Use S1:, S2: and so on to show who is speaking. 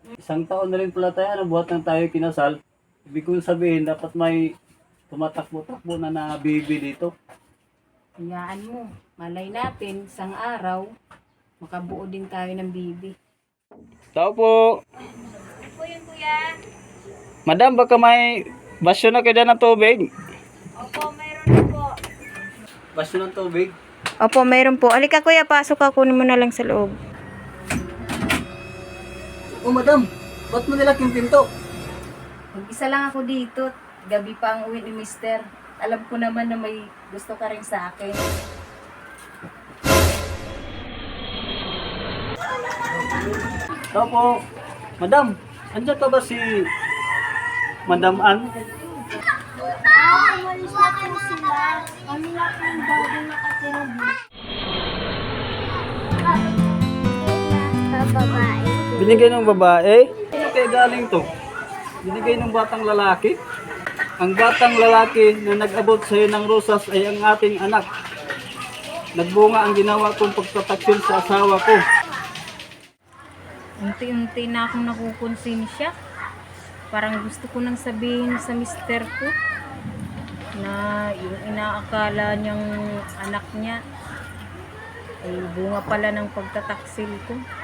S1: Isang taon na rin pala tayo, ano, buhat nang tayo kinasal. Ibig kong sabihin, dapat may tumatakbo-takbo na baby dito.
S2: Hayaan mo, malay natin, isang araw, makabuo din tayo ng bibi.
S1: Tao po.
S2: Po yun, kuya.
S1: Madam, baka may basyo na kayo ng tubig.
S2: Opo, mayroon na po.
S1: Basyo ng tubig?
S2: Opo, mayroon po. Alika kuya, pasok ka, kunin mo na lang sa loob.
S1: Oh, madam, ba't mo nilak yung pinto?
S2: Mag-isa lang ako dito. Gabi pa ang uwi ni mister. Alam ko naman na may gusto ka rin sa akin.
S1: Tao po. Madam, andyan pa ba si Madam Ann?
S3: Umalis na po sila. Kami na po yung bago nakatira dito. Babae.
S1: Binigay ng babae? Ano kaya galing to? Binigay ng batang lalaki? Ang batang lalaki na nag-abot sa iyo ng rosas ay ang ating anak. Nagbunga ang ginawa kong pagtataksil sa asawa ko.
S2: Unti-unti na akong nakukonsensya. Parang gusto ko nang sabihin sa mister ko na yung inaakala niyang anak niya ay bunga pala ng pagtataksil ko.